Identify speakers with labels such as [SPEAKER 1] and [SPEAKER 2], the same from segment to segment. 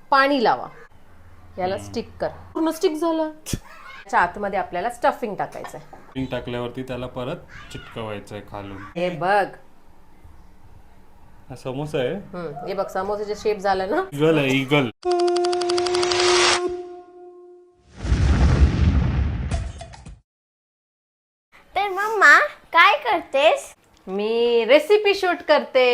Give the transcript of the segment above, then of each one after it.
[SPEAKER 1] पाणी लावा, याला स्टिक कर. पूर्ण स्टिक झालं. त्याच्या आतमध्ये आपल्याला स्टफिंग टाकायचंय.
[SPEAKER 2] स्टफिंग टाकल्यावरती त्याला परत चिटकवायचंय खालून.
[SPEAKER 1] हे बघ,
[SPEAKER 2] हा समोसा आहे.
[SPEAKER 1] हे बघ समोसाचे शेप झालं ना.
[SPEAKER 2] इगल आहे इगल.
[SPEAKER 3] तर मम्मा काय करतेस?
[SPEAKER 1] मी रेसिपी शूट करते.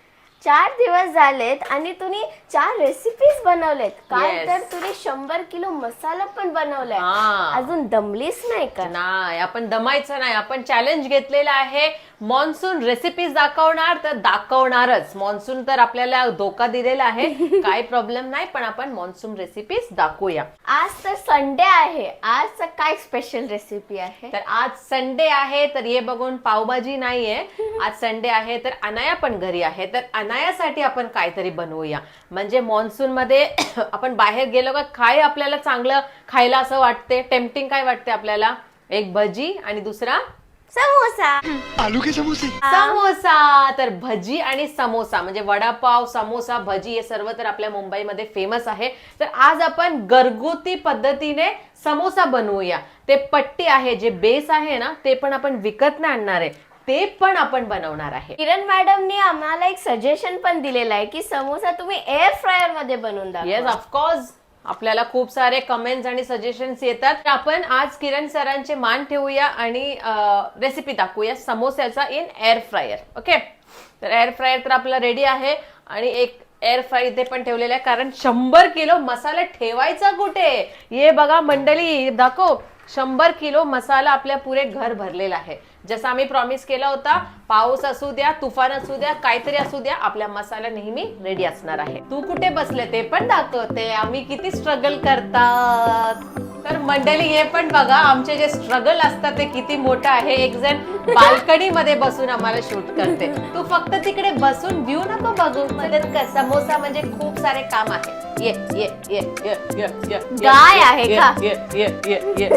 [SPEAKER 3] 4 दिवस झालेत आणि तुम्ही 4 रेसिपीज बनवलेत. काय
[SPEAKER 1] Yes.
[SPEAKER 3] तर तुम्ही 100 किलो मसाला पण बनवलाय.
[SPEAKER 1] हा.
[SPEAKER 3] अजून दमलीच नाही का?
[SPEAKER 1] नाही, आपण दमायचं नाही. आपण चॅलेंज घेतलेला आहे, मॉन्सून रेसिपीज दाखवणार तर दाखवणारच. मॉन्सून तर आपल्याला धोका दिलेला आहे, काय प्रॉब्लेम नाही, पण आपण मॉन्सून रेसिपीज दाखवूया.
[SPEAKER 3] आज तर संडे आहे. आज काय स्पेशल रेसिपी आहे?
[SPEAKER 1] तर आज संडे आहे, तर ये बघून पावभाजी नाहीये. आज संडे आहे तर अनाया पण घरी आहे, तर अनायासाठी आपण काहीतरी बनवूया. म्हणजे मॉन्सून मध्ये आपण बाहेर गेलो का काय आपल्याला चांगलं खायला असं वाटते, टेम्पटिंग काय वाटते आपल्याला? एक भजी आणि दुसरा
[SPEAKER 3] समोसा.
[SPEAKER 4] आलू के समोसे.
[SPEAKER 1] समोसा. तर भजी आणि समोसा म्हणजे वडापाव, समोसा, भजी हे सर्व तर आपल्या मुंबईमध्ये फेमस आहे. तर आज आपण घरगुती पद्धतीने समोसा बनवूया. ते पट्टी आहे, जे बेस आहे ना, ते पण आपण विकत नाही आणणार आहे, ते पण आपण बनवणार आहे.
[SPEAKER 3] किरण मॅडमने आम्हाला एक सजेशन पण दिलेलं आहे की समोसा तुम्ही एअर फ्रायर मध्ये बनवून दाखवा.
[SPEAKER 1] Yes, of course. आपल्याला खूप सारे कमेंट्स आणि सजेशन्स येतात. तर आपण आज किरण सरांचे मान ठेवूया आणि रेसिपी दाखवूया समोस्याचा इन एअर फ्रायर. ओके, तर एअर फ्रायर तर आपला रेडी आहे आणि एक एअर फ्राय इथे पण ठेवलेला आहे, कारण 100 किलो मसाला ठेवायचा कुठे? ये बघा मंडळी, दाखव. 100 किलो मसाला आपल्या पुरे घर भरलेला आहे. जसं आम्ही प्रॉमिस केला होता, पाऊस असू द्या, तुफान असू द्या, काहीतरी असू द्या, आपल्या मसाला नेहमी रेडी असणार आहे. तू कुठे बसले ते पण दाखवते, आम्ही किती स्ट्रगल करतात. तर मंडळी हे पण बघा, आमचे जे स्ट्रगल असतात ते किती मोठं आहे. एक जण बाल्कनी मध्ये बसून आम्हाला शूट करते. तू फक्त तिकडे बसून व्ह्यू नको बघू. समोसा म्हणजे खूप सारे काम आहे. ये ये ये ये ये ये
[SPEAKER 3] गाय आहे का?
[SPEAKER 1] ये ये ये ये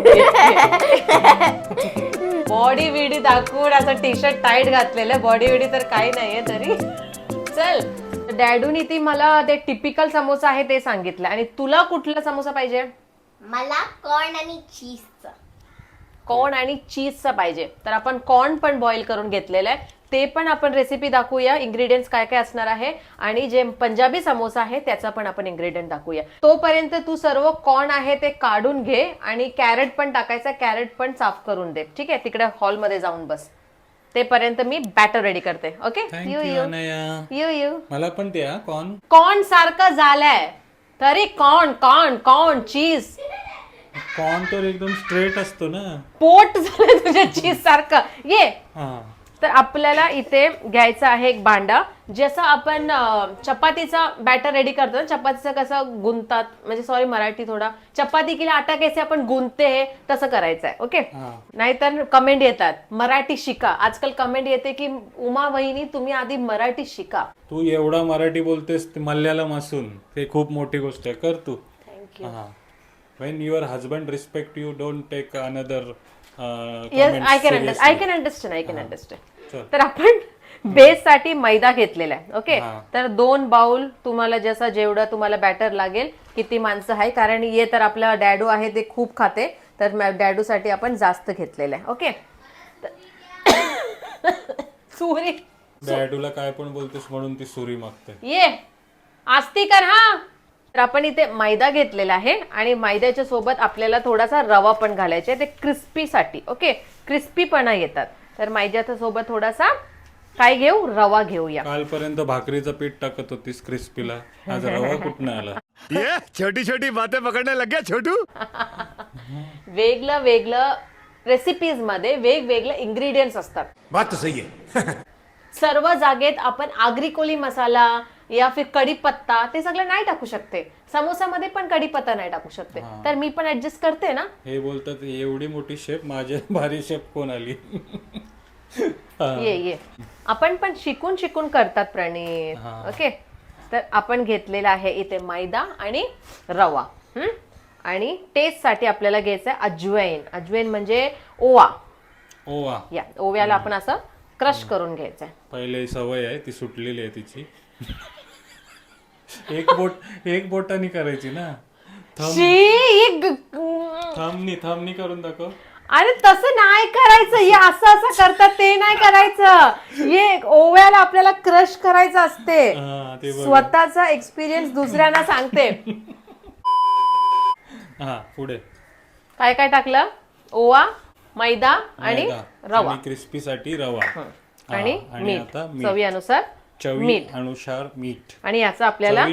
[SPEAKER 1] बॉडी विडी दाखवून असं टी शर्ट टाईट घातलेलं. बॉडी विडी तर काही नाहीये तरी. चल, डॅडूनी ती मला ते टिपिकल समोसा आहे ते सांगितलं. आणि तुला कुठला समोसा पाहिजे?
[SPEAKER 3] मला कॉर्न आणि चीजचा.
[SPEAKER 1] कॉर्न आणि चीजचा पाहिजे. तर आपण कॉर्न पण बॉईल करून घेतलेलं आहे, ते पण आपण रेसिपी दाखवूया. इन्ग्रेडियंट्स काय काय असणार आहे आणि जे पंजाबी समोसा आहे त्याचा पण आपण इन्ग्रेडियंट दाखवूया. तोपर्यंत तू सर्व कॉर्न आहे ते काढून घे आणि कॅरेट पण टाकायचा. कॅरेट पण साफ करून दे, ठीक आहे? तिकडे हॉलमध्ये जाऊन बस. ते पर्यंत मी बॅटर रेडी करते. Okay,
[SPEAKER 2] thank you Anaya.
[SPEAKER 1] You you.
[SPEAKER 2] मला पण द्या कॉर्न.
[SPEAKER 1] कॉर्न सारखं झालंय तरी corn corn corn cheese.
[SPEAKER 2] Corn तर एकदम स्ट्रेट असतो ना.
[SPEAKER 1] पोट झालं तुझ्या चीज सारखं. ये.
[SPEAKER 2] हा.
[SPEAKER 1] तर आपल्याला इथे घ्यायचा आहे एक भांडा. जसं आपण चपातीचा बॅटर रेडी करतो ना, चपातीचं कसं गुंतात, म्हणजे सॉरी मराठी थोडा, चपाती केला आटा कैसे आपण गुंतते हे तसं करायचं आहे. ओके, नाहीतर कमेंट येतात मराठी शिका. आजकाल कमेंट येते की उमा वहिनी तुम्ही आधी मराठी शिका.
[SPEAKER 2] तू एवढा मराठी बोलतेस मल्याळम असून, ते खूप मोठी गोष्ट आहे. कर तू.
[SPEAKER 1] Thank you.
[SPEAKER 2] When your husband respect you, don't take another
[SPEAKER 1] yes, I can understand. तर आपण बेस साठी मैदा घेतलेला आहे. ओके, तर 2 बाउल तुम्हाला जसं जेवढं तुम्हाला बॅटर लागेल, किती माणसं आहे, कारण ये तर आपला डॅडू आहे ते खूप खाते, तर डॅडू साठी आपण जास्त घेतलेलं आहे. ओके, सुरी.
[SPEAKER 2] डॅडूला काय पण बोलतेस म्हणून ती सुरी मागते.
[SPEAKER 1] ये आस्ती कर. हा, तर आपण इथे मैदा घेतलेला आहे आणि मैद्याच्या सोबत आपल्याला थोडासा रवा पण घालायचा आहे, ते क्रिस्पी साठी. ओके, क्रिस्पीपणा येतात. तर मैद्याच्या सोबत थोडासा काय घेऊ, रवा घेऊया.
[SPEAKER 2] कालपर्यंत भाकरीचं पीठ टाकत होतीस क्रिस्पीला, आज रवा कुठं आला?
[SPEAKER 4] ये छोटी छोटी बातें पकड़ने लग गया छोटू.
[SPEAKER 1] वेगळं वेगळं रेसिपीज मध्ये वेगवेगळे इन्ग्रेडियंट्स असतात.
[SPEAKER 4] बात तो सही है.
[SPEAKER 1] सर्व जागेत आपण आगरी कोली मसाला या फिर कढीपत्ता ते सगळं नाही टाकू शकते. समोसामध्ये पण कढीपत्ता नाही टाकू शकते. तर मी पण ऍडजस्ट करते ना.
[SPEAKER 2] हे बोलतात एवढी मोठी शेप, माझ्या भारी शेप कोण आली?
[SPEAKER 1] ये आपण पण शिकून शिकून करतात प्रणीत. ओके, तर आपण घेतलेला आहे इथे मैदा आणि रवा. आणि टेस्ट साठी आपल्याला घ्यायचं आहे अजवाईन. अजवाईन म्हणजे ओवा.
[SPEAKER 2] ओवा.
[SPEAKER 1] या ओव्याला आपण असं क्रश करून घ्यायचंय.
[SPEAKER 2] पहिले सवय आहे ती सुटलेली आहे तिची. एक बोटानी करायची ना. थंबनी करून दाखव.
[SPEAKER 1] अरे तसं नाही करायचं, हे असं करतात ते नाही करायचं. हे ओव्याला आपल्याला क्रश करायचं असते.
[SPEAKER 2] हा, ते बघ.
[SPEAKER 1] स्वतःचा एक्सपिरियन्स दुसऱ्यांना सांगते.
[SPEAKER 2] हा, पुढे
[SPEAKER 1] काय काय टाकलं? ओवा, मैदा आणि रवा
[SPEAKER 2] क्रिस्पी साठी रवा.
[SPEAKER 1] आणि मीठ,
[SPEAKER 2] आता
[SPEAKER 1] चवीनुसार मीठ
[SPEAKER 2] अनुसार मीठ
[SPEAKER 1] आणि याचा आपल्याला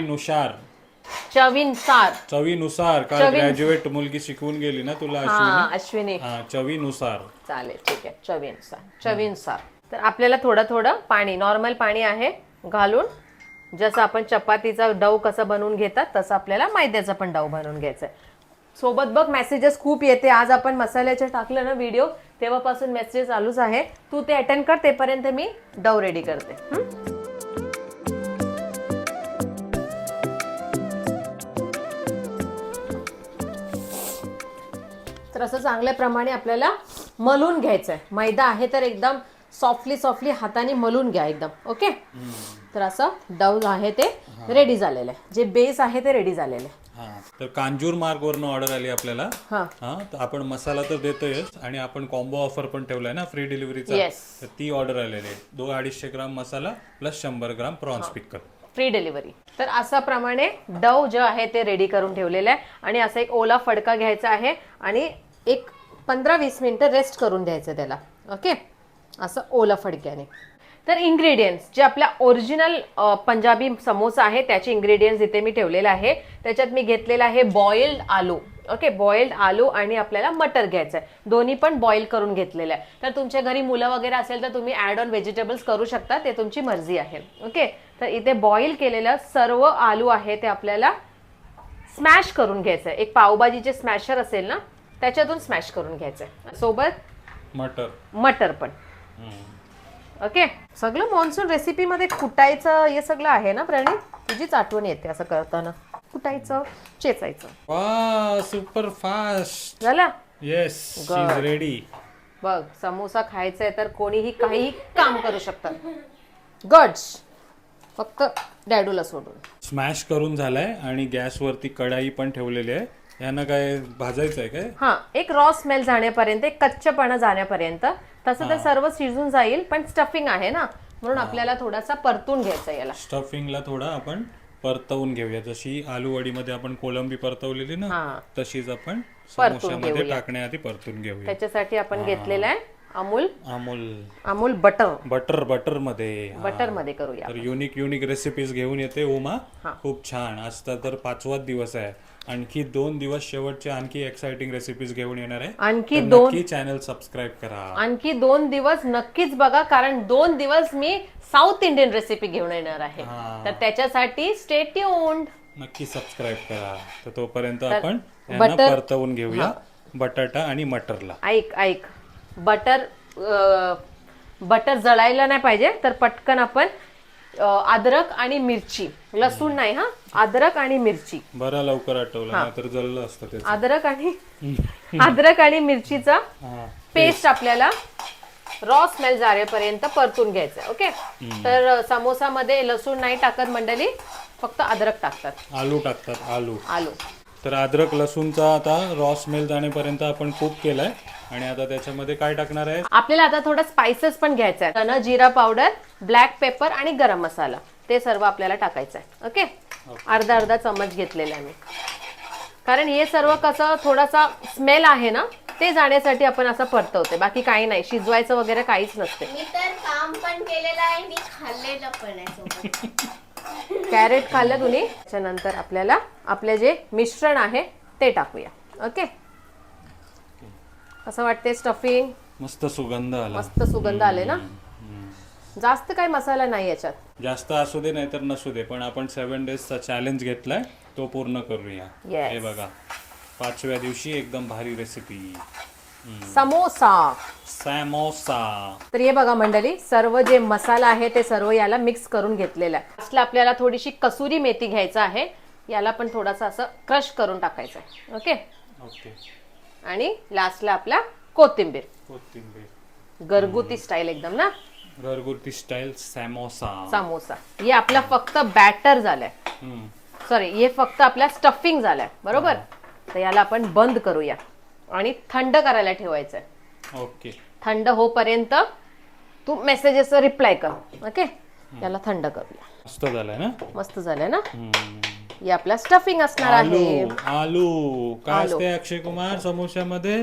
[SPEAKER 2] चवीनुसार काल ग्रॅज्युएट मुलगी शिकवून गेली ना तुला
[SPEAKER 1] अश्विनी.
[SPEAKER 2] चवीनुसार.
[SPEAKER 1] चालेल, ठीक आहे. चवीनुसार. तर आपल्याला थोडं पाणी, नॉर्मल पाणी आहे घालून, जसं आपण चपातीचा डव कसं बनवून घेतात तसं आपल्याला मैद्याचा पण डव बनवून घ्यायचा आहे. सोबत बघ मेसेजेस खूप येते. आज आपण मसाल्याचे टाकलं ना व्हिडिओ, तेव्हापासून मेसेज चालूच आहे. तू ते अटेंड कर, तेपर्यंत मी डव रेडी करते. तर असं चांगल्या प्रमाणे आपल्याला मलून घ्यायचं आहे. मैदा आहे तर एकदम सॉफ्टली हाताने मलून घ्या एकदम. ओके. तर असं डव आहे ते रेडी झालेलं आहे. जे बेस आहे ते रेडी झालेलं आहे.
[SPEAKER 2] तर कांजूर मार्ग वरनं ऑर्डर आली आपल्याला.
[SPEAKER 1] हा,
[SPEAKER 2] तर आपण मसाला तर देतोयच आणि आपण कॉम्बो ऑफर पण ठेवलाय ना फ्री डिलिव्हरीचा. तर ती ऑर्डर आलेली आहे. 200-250 gram masala plus 100 gram prawns pickle,
[SPEAKER 1] free delivery. तर असा प्रमाणे डव जे आहे ते रेडी करून ठेवलेलं आहे. आणि असा एक ओला फडका घ्यायचा आहे आणि एक 15-20 मिनिटं रेस्ट करून द्यायचं त्याला. ओके, असं ओला फडक्याने. तर इन्ग्रेडियंट्स जे आपल्या ओरिजिनल पंजाबी समोसा आहे त्याचे इन्ग्रेडियंट्स इथे मी ठेवलेले आहे. त्याच्यात मी घेतलेला आहे बॉइल्ड आलू. ओके, बॉइल्ड आलू आणि आपल्याला मटर घ्यायचं आहे. दोन्ही पण बॉईल करून घेतलेलं आहे. तर तुमच्या घरी मुलं वगैरे असेल तर तुम्ही ऍड ऑन व्हेजिटेबल्स करू शकता, ते तुमची मर्जी आहे. ओके, तर इथे बॉईल केलेलं सर्व आलू आहे ते आपल्याला स्मॅश करून घ्यायचं आहे. एक पावभाजीचे स्मॅशर असेल ना त्याच्यातून स्मॅश करून घ्यायचं आहे. सोबत मटर पण. ओके, सगळं मॉन्सून रेसिपी मध्ये कुटायचं हे सगळं आहे ना प्रणीत? तुझीच आठवण येते असं करताना. कुटायचं, चेचायचं.
[SPEAKER 2] वा, सुपर फास्ट
[SPEAKER 1] झालं.
[SPEAKER 2] Yes, she is ready.
[SPEAKER 1] बघ, समोसा खायचा आहे तर कोणीही काही काम करू शकतात. गड्स, फक्त डॅडूला सोडून.
[SPEAKER 2] स्मॅश करून झालाय आणि गॅसवरती कढाई पण ठेवलेली आहे. यांना काय भाजायचं आहे काय?
[SPEAKER 1] हा, एक रॉ स्मेल जाण्यापर्यंत, एक कच्चपणा जाण्यापर्यंत. तसं तर सर्व शिजून जाईल पण स्टफिंग आहे ना म्हणून आपल्याला थोडासा परतून घ्यायचा. याला
[SPEAKER 2] स्टफिंगला थोडा आपण परतवून घेऊया. जशी आलू वडीमध्ये आपण कोलंबी परतवलेली ना तशीच आपण समोशामध्ये टाकण्याआधी परतून घेऊया.
[SPEAKER 1] त्याच्यासाठी आपण घेतलेला आहे अमूल
[SPEAKER 2] बटर मध्ये
[SPEAKER 1] करूया.
[SPEAKER 2] तर युनिक रेसिपीज घेऊन येते उमा. खूप छान. आज तर 5वाच दिवस आहे. आणखी 2 दिवस शेवटचे आणखी एक्साइटिंग रेसिपीज घेऊन येणार आहे. नक्की चॅनल सबस्क्राईब करा.
[SPEAKER 1] आणखी 2 दिवस नक्कीच बघा, कारण 2 दिवस मी साऊथ इंडियन रेसिपी घेऊन येणार आहे. तर त्याच्यासाठी स्टे ट्यून्ड.
[SPEAKER 2] नक्की सबस्क्राईब करा. तर तोपर्यंत आपण परतवून घेऊया बटाटा आणि मटरला.
[SPEAKER 1] ऐक, बटर जळायला नाही पाहिजे. तर पटकन आपण अद्रक आणि मिरची, लसूण नाही हा, अद्रक आणि मिरची.
[SPEAKER 2] बरं लवकर आठवलं, नाहीतर जळलं असतं ते.
[SPEAKER 1] अद्रक आणि मिरचीचा पेस्ट आपल्याला रॉ स्मेल जारेपर्यंत परतून घ्यायचं. ओके, तर समोसामध्ये लसूण नाही टाकत मंडळी, फक्त अद्रक टाकतात,
[SPEAKER 2] आलू टाकतात.
[SPEAKER 1] आलू.
[SPEAKER 2] तर अद्रक लसूणचा आता रॉ स्मेल जाण्यापर्यंत आपण कुक केलाय. आणि आता त्याच्यामध्ये काय टाकणार आहे?
[SPEAKER 1] आपल्याला आता थोडा स्पाइसेस पण घ्यायचा आहे. धना जिरा पावडर, ब्लॅक पेपर आणि गरम मसाला, ते सर्व आपल्याला टाकायचं आहे. ओके, अर्धा चमच घेतलेला आहे मी, कारण हे सर्व कसं थोडासा स्मेल आहे ना ते जाण्यासाठी आपण असं परतवते. बाकी काही नाही, शिजवायचं वगैरे काहीच नसते.
[SPEAKER 3] मी तर काम पण केलेलं आहे, मी खाल्लेलं पण आहे.
[SPEAKER 1] कॅरेट खाल्लं तुम्ही. त्याच्यानंतर आपल्याला आपले जे मिश्रण आहे ते टाकूया. ओके, असं वाटते स्टफिंग.
[SPEAKER 2] मस्त सुगंध
[SPEAKER 1] आले ना. जास्त काही मसाला नाही याच्यात.
[SPEAKER 2] जास्त असू दे नाहीतर नसू दे, पण आपण 7 डेजचा चॅलेंज घेतलाय तो पूर्ण करूया. हे बघा, 5व्या दिवशी एकदम भारी रेसिपी
[SPEAKER 1] समोसा.
[SPEAKER 2] तर
[SPEAKER 1] हे बघा मंडळी, सर्व जे मसाला आहे ते सर्व याला मिक्स करून घेतलेला आहे. लास्टला आपल्याला थोडीशी कसुरी मेथी घ्यायचं आहे. याला पण थोडासा असं क्रश करून टाकायचं आहे. ओके, आणि लास्टला आपला कोथिंबीर. घरगुती स्टाईल एकदम ना.
[SPEAKER 2] घरगुती स्टाईल समोसा.
[SPEAKER 1] समोसा हे आपला फक्त बॅटर झालाय, सॉरी हे फक्त आपल्या स्टफिंग झालाय बरोबर. तर याला आपण बंद करूया आणि थंड करायला ठेवायचंय.
[SPEAKER 2] ओके.
[SPEAKER 1] थंड होपर्यंत तू मेसेजेस रिप्लाय कर. ओके, याला थंड करूया.
[SPEAKER 2] मस्त झालंय ना.
[SPEAKER 1] मस्त झालंय ना. हे आपला स्टफिंग असणार आहे.
[SPEAKER 2] आलू काय असते अक्षय कुमार समोस्यामध्ये?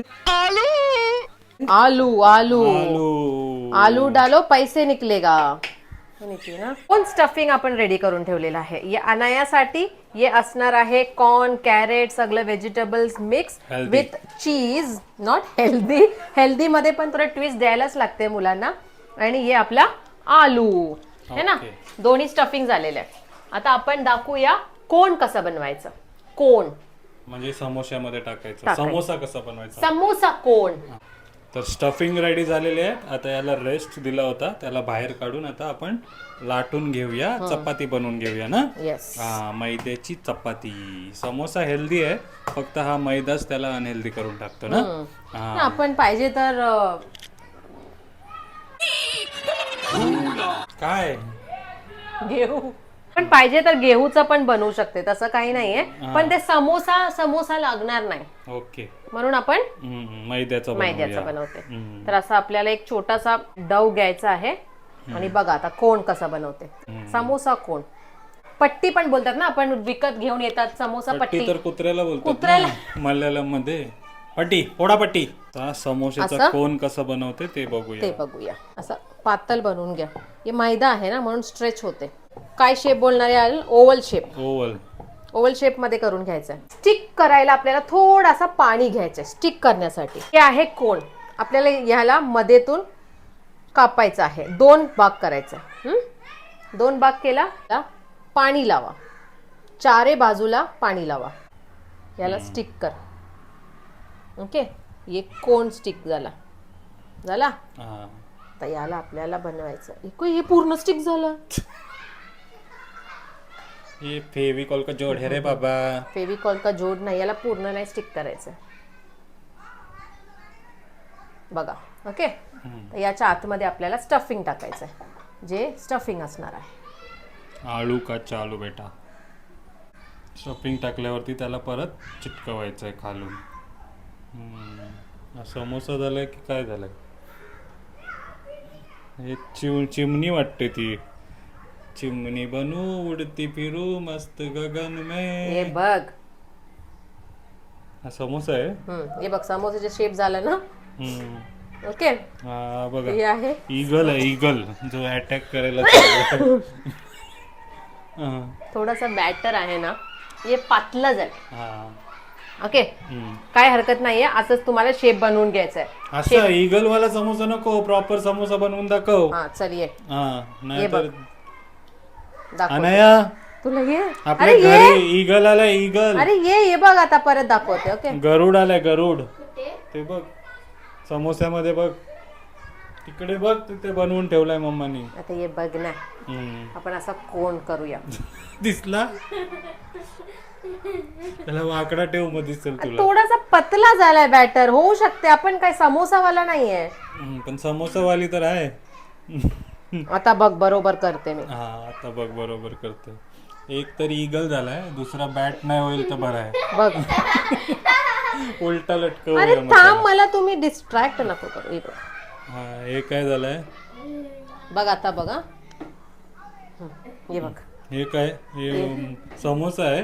[SPEAKER 1] आलू आलू
[SPEAKER 2] आलू.
[SPEAKER 1] आलू डालो पैसे निकलेगा. ना कोण स्टफिंग आपण रेडी करून ठेवलेलं आहे. या अनायासाठी हे असणार आहे कॉर्न, कॅरेट, सगळं vegetables mix
[SPEAKER 2] Healthy.
[SPEAKER 1] With cheese. Not healthy, healthy मध्ये पण थोडं ट्विस्ट द्यायलाच लागते मुलांना. आणि हे आपला आलू है ना.
[SPEAKER 2] Okay.
[SPEAKER 1] दोन्ही स्टफिंग झालेलं आहे. आता आपण दाखवूया कोण कसं बनवायचं. कोण
[SPEAKER 2] म्हणजे समोस्यामध्ये टाकायचं.
[SPEAKER 1] टाकायचं.
[SPEAKER 2] समोसा कसा बनवायचा?
[SPEAKER 1] समोसा कोण.
[SPEAKER 2] तर स्टफिंग रेडी झालेली आहे. आता याला रेस्ट दिला होता, त्याला बाहेर काढून आता आपण लाटून घेऊया, चपाती बनवून घेऊया ना.
[SPEAKER 1] येस.
[SPEAKER 2] हा, मैद्याची चपाती. समोसा हेल्दी आहे, फक्त हा मैदाच त्याला अनहेल्दी करून टाकतो ना. हा.
[SPEAKER 1] आपण पाहिजे तर
[SPEAKER 2] काय
[SPEAKER 1] घेऊ पण पाहिजे तर गेहूचं पण बनवू शकते, तसं काही नाहीये. पण ते समोसा लागणार नाही
[SPEAKER 2] ओके.
[SPEAKER 1] म्हणून आपण
[SPEAKER 2] मैद्याचं
[SPEAKER 1] मैद्याचं बनवते. तर असं आपल्याला एक छोटासा डव घ्यायचा आहे. आणि बघा आता कोण कसा बनवते. समोसा कोण, पट्टी पण बोलतात ना, आपण विकत घेऊन येतात समोसा
[SPEAKER 2] पट्टी.
[SPEAKER 1] पट्टी.
[SPEAKER 2] तर कुत्र्याला बोलतात मल्याळम मध्ये पट्टी, पोडा पट्टी. समोसेचा कोण कसं बनवते ते बघूया. असं
[SPEAKER 1] पातळ बनवून घ्या. हे मैदा आहे ना म्हणून स्ट्रेच होते. काय शेप बोलणार आहे? Oval shape. ओव्हल शेप मध्ये करून घ्यायचं. स्टिक करायला आपल्याला थोडासा पाणी घ्यायचं स्टिक करण्यासाठी. हे आहे कोण. आपल्याला ह्याला मध्येतून कापायचं आहे. 2 भाग करायचा. 2 भाग केला, पाणी लावा, चारे बाजूला पाणी लावा, याला स्टिक कर. ओके, हे कोण स्टिक झाला. तर याला आपल्याला बनवायचं. हे पूर्ण स्टिक झालं.
[SPEAKER 2] ये फेविकॉल का जोड है रे बाबा.
[SPEAKER 1] फेविकॉल का जोड नाही, याला पूर्ण नाही स्टिक करायचं बघा. ओके, तर याच्या आतमध्ये आपल्याला स्टफिंग टाकायचं आहे, जे स्टफिंग असणार आहे.
[SPEAKER 2] आलू का चालू बेटा. स्टफिंग टाकल्यावरती त्याला परत चिटकवायचंय खालून. समोसा झालाय की काय झालंय? हे चिमणी वाटते ती. चिमणी बनू उडती फिरू मस्त गगन में.
[SPEAKER 1] हे बघ,
[SPEAKER 2] हा समोसा आहे.
[SPEAKER 1] हे बघ समोसाचे शेप झाला ना. ओके,
[SPEAKER 2] हा बघा,
[SPEAKER 1] हे आहे
[SPEAKER 2] ईगल आहे. ईगल जो अटॅक करायला
[SPEAKER 1] थोडासा बॅटर आहे ना, हे पातलं झालं.
[SPEAKER 2] हा.
[SPEAKER 1] ओके, काय हरकत नाहीये. असंच तुम्हाला शेप बनवून घ्यायचा आहे.
[SPEAKER 2] असं ईगल वाला समोसा नको, प्रॉपर समोसा बनवून दाखव.
[SPEAKER 1] हा चल ये.
[SPEAKER 2] हा, नाही तर
[SPEAKER 1] दाखव
[SPEAKER 2] अनया
[SPEAKER 1] तुला. ये
[SPEAKER 2] आपल्या घरी ईगल आलाय. ईगल.
[SPEAKER 1] अरे ये बघ आता परत दाखवते. ओके,
[SPEAKER 2] गरुड आलाय. गरुड ते बघ समोस्यामध्ये बघ, तिकडे बघ, तिथे बनवून ठेवलाय मम्मानी.
[SPEAKER 1] आता ये बघ ना, आपण असा कोण करूया.
[SPEAKER 2] दिसला त्याला वाकडा ठेव, मग दिसेल तुला.
[SPEAKER 1] थोडासा पतला झालाय बॅटर. होऊ शकते, आपण काय समोसावाला नाहीये.
[SPEAKER 2] पण समोसावाली तर आहे.
[SPEAKER 1] आता बघ बरोबर करते मी.
[SPEAKER 2] हा, आता बघ बरोबर करते. एक तर ईगल झालाय, दुसरा बॅट नाही होईल तर बरं आहे.
[SPEAKER 1] बघ
[SPEAKER 2] उलटा लटकव.
[SPEAKER 1] अरे थांब, मला तुम्ही डिस्ट्रॅक्ट नको करू. हे बघ.
[SPEAKER 2] हा, हे काय झालंय
[SPEAKER 1] बघ आता बघा. हे बघ,
[SPEAKER 2] हे काय? हे समोसा आहे.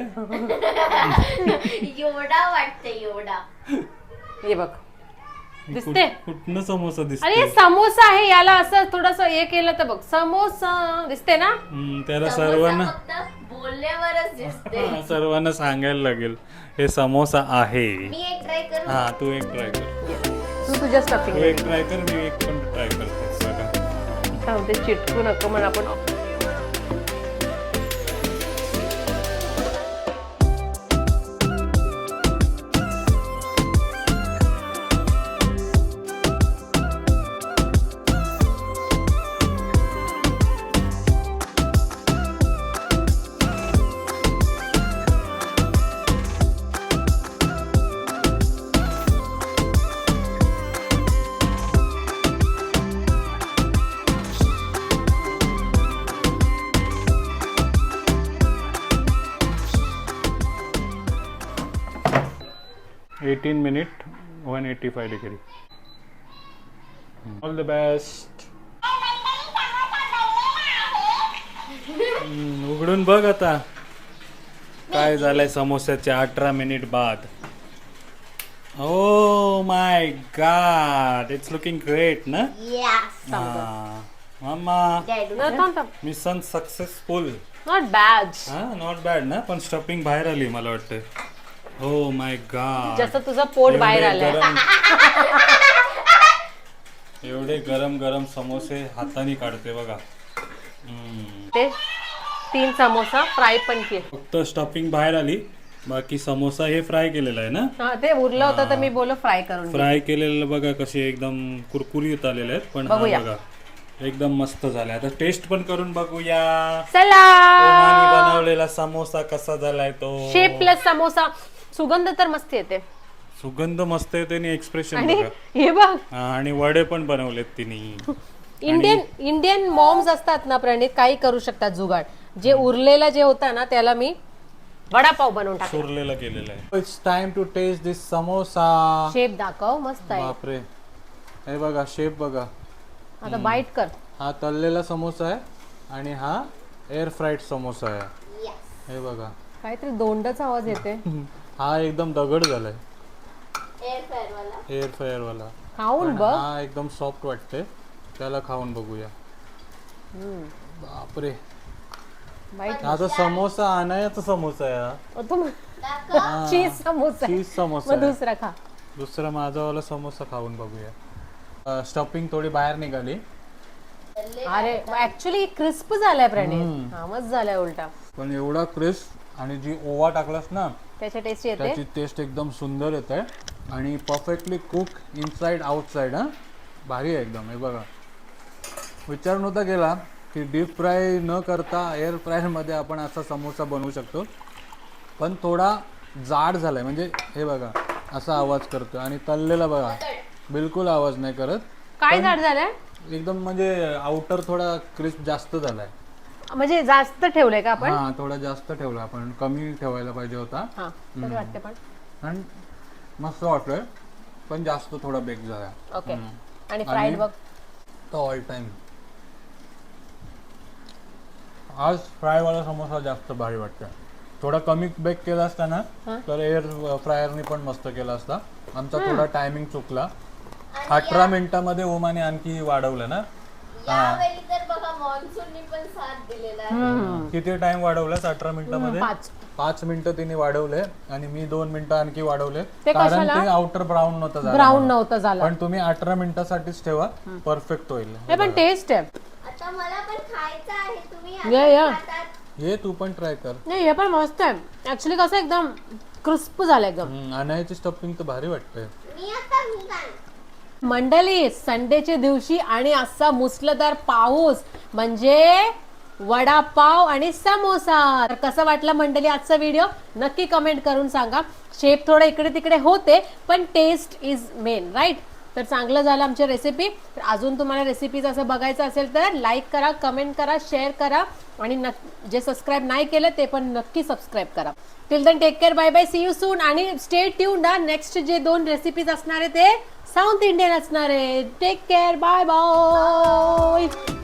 [SPEAKER 3] योडा वाटते योडा.
[SPEAKER 1] हे बघ दिसते.
[SPEAKER 2] कुठनं समोसा दिसते?
[SPEAKER 1] अरे समोसा आहे, याला असं थोडस हे केलं तर बघ समोसा दिसते ना.
[SPEAKER 2] त्याला सर्वांना
[SPEAKER 3] बोलल्यावरच दिसते.
[SPEAKER 2] सर्वांना सांगायला लागेल हे समोसा आहे.
[SPEAKER 3] मी एक ट्राय करू.
[SPEAKER 2] हा, तू एक ट्राय कर.
[SPEAKER 1] तू तुझ्या स्टफिंग
[SPEAKER 2] तू एक ट्राय कर, मी एक पण ट्राय करतो. बघा,
[SPEAKER 1] ते चिटकू नको म्हणून आपण
[SPEAKER 2] 18 minute 185 degree. All the best. उघडून बघ आता काय झालंय समोस्याच्या 18 मिनिट बाद. Oh my God, it's looking great ना. Mumma mission successful.
[SPEAKER 1] Not bad.
[SPEAKER 2] Not bad ना, पण स्टफिंग बाहेर आली मला वाटतं. ओ माय गॉड,
[SPEAKER 1] जसं तुझं पोट बाहेर आलंय.
[SPEAKER 2] एवढे गरम गरम समोसे हाताने काढते बघा.
[SPEAKER 1] ते 3 समोसा फ्राय पण केले.
[SPEAKER 2] फक्त स्टफिंग बाहेर आली, बाकी समोसा हे फ्राय केलेला आहे ना.
[SPEAKER 1] हा, ते उरलं होतं तर मी बोललो फ्राय करून घे.
[SPEAKER 2] फ्राय केलेलं बघा कसे एकदम कुरकुरीत आलेले आहेत. पण हा
[SPEAKER 1] बघूया.
[SPEAKER 2] बघा एकदम मस्त झालाय. आता टेस्ट पण करून बघूया.
[SPEAKER 1] चला,
[SPEAKER 2] ओमानी बनवलेला समोसा कसा झालाय तो.
[SPEAKER 1] Shape plus samosa. सुगंध तर मस्त येते.
[SPEAKER 2] सुगंध मस्त येते आणि एक्सप्रेशन
[SPEAKER 1] आणि
[SPEAKER 2] बघा.
[SPEAKER 1] हे बघ,
[SPEAKER 2] आणि वडे पण बनवलेत तिने.
[SPEAKER 1] इंडियन मॉम्स असतात ना प्रणित, काही करू शकतात जुगाड. जे उरलेलं जे होतं ना त्याला मी वडापाव बनवून टाकला.
[SPEAKER 2] सुरलेला केलेला आहे. It's time to taste this samosa.
[SPEAKER 1] Shape दाखव, मस्त आहे.
[SPEAKER 2] बापरे, हे बघा शेप बघा.
[SPEAKER 1] आता बाईट कर.
[SPEAKER 2] हा तळलेला समोसा आहे आणि हा एअर फ्राईड समोसा आहे. हे बघा
[SPEAKER 1] काहीतरी दोंडाचा आवाज येते.
[SPEAKER 2] हा एकदम दगड झालाय.
[SPEAKER 3] एअर
[SPEAKER 2] एअर फ्रायर वाला.
[SPEAKER 1] खाऊन
[SPEAKER 2] पण
[SPEAKER 1] बघ.
[SPEAKER 2] हा एकदम सॉफ्ट वाटते, त्याला खाऊन बघूया. बापरे,
[SPEAKER 1] बाईट.
[SPEAKER 2] हा तो समोसा आणायचा समोसा आहे हा.
[SPEAKER 1] तुम चीज समोसा आहे.
[SPEAKER 2] चीज समोसा
[SPEAKER 1] मग
[SPEAKER 2] आहे.
[SPEAKER 1] दुसरा खा.
[SPEAKER 2] दुसरा माझावाला समोसा खाऊन बघूया. स्टफिंग थोडी बाहेर निघाली.
[SPEAKER 1] अरे ऍक्च्युली क्रिस्प झालाय प्रणित. हा, मस्त झालाय उलटा.
[SPEAKER 2] पण एवढा क्रिस्प आणि जी ओवा टाकलास ना
[SPEAKER 1] त्याच्या टेस्ट येते.
[SPEAKER 2] त्याची टेस्ट एकदम सुंदर येते आणि परफेक्टली कुक इनसाइड आउटसाइड. हा भारी आहे एकदम. हे बघा, विचार नव्हता केला की डीप फ्राय न करता एअर फ्रायरमध्ये आपण असा समोसा बनवू शकतो. पण थोडा जाड झालाय, म्हणजे हे बघा असा आवाज करतो. आणि तळलेला बघा बिलकुल आवाज नाही करत.
[SPEAKER 1] काय झाड झालंय
[SPEAKER 2] एकदम म्हणजे आउटर थोडा क्रिस्प जास्त झालाय.
[SPEAKER 1] म्हणजे जास्त ठेवलंय का आपण.
[SPEAKER 2] हा थोडा जास्त ठेवला आपण, कमी ठेवायला पाहिजे होता.
[SPEAKER 1] हा, तरी वाटते पण.
[SPEAKER 2] आणि मस्त वाटतोय, पण जास्त थोडा बेक झाला.
[SPEAKER 1] ओके. आणि फ्राईड बघ.
[SPEAKER 2] तो ऑल टाइम आज फ्रायवाला समोसा जास्त भारी वाटतोय. थोडा कमी बेक केला असता ना तर एअर फ्रायरनी पण मस्त केला असता. आमचा थोडा टायमिंग चुकला. 18 मिनिटामध्ये ओमाने आणखी वाढवलं ना.
[SPEAKER 3] यावेळी तर बघा मॉन्सूननी पण साथ दिलेला आहे.
[SPEAKER 2] किती टाइम वाढवलास 18 मिनिटामध्ये.
[SPEAKER 1] 5
[SPEAKER 2] मिनिटं तिने वाढवले आणि मी 2 मिनिटं आणखी वाढवले.
[SPEAKER 1] ते
[SPEAKER 2] कारण
[SPEAKER 1] कशाला?
[SPEAKER 2] ते आउटर ब्राऊन नव्हतं झालं.
[SPEAKER 1] ब्राऊन नव्हतं झालं.
[SPEAKER 2] पण तुम्ही 18 मिनिटासाठीच ठेवा, परफेक्ट होईल.
[SPEAKER 1] हे पण टेस्ट आहे.
[SPEAKER 3] आता मला पण खायचं आहे. तुम्ही
[SPEAKER 1] या.
[SPEAKER 3] आता खातात.
[SPEAKER 2] हे तू पण ट्राय कर.
[SPEAKER 1] नाही, हे पण मस्त आहे ऍक्च्युली. कसं एकदम क्रिस्प झालं एकदम.
[SPEAKER 2] आणायची स्टफिंग तर भारी वाटतंय.
[SPEAKER 3] मी आता मी काय
[SPEAKER 1] मंडळी, संडेच्या दिवशी आणि असा मुसलधार पाऊस म्हणजे वडापाव आणि समोसा. तर कसं वाटलं मंडळी आजचा व्हिडिओ, नक्की कमेंट करून सांगा. शेप थोडा इकडे तिकडे होते, पण टेस्ट इज मेन, राईट. तर चांगलं झालं आमची रेसिपी. तर अजून तुम्हाला रेसिपीज असं बघायचं असेल तर लाईक करा, कमेंट करा, शेअर करा आणि जे सबस्क्राईब नाही केलं ते पण नक्की सबस्क्राईब करा. Till then take care, bye bye, see you soon. आणि स्टे ट्यून्ड. नेक्स्ट जे 2 रेसिपीज असणार आहे ते साऊथ इंडियन असणार आहे. Take care, bye bye.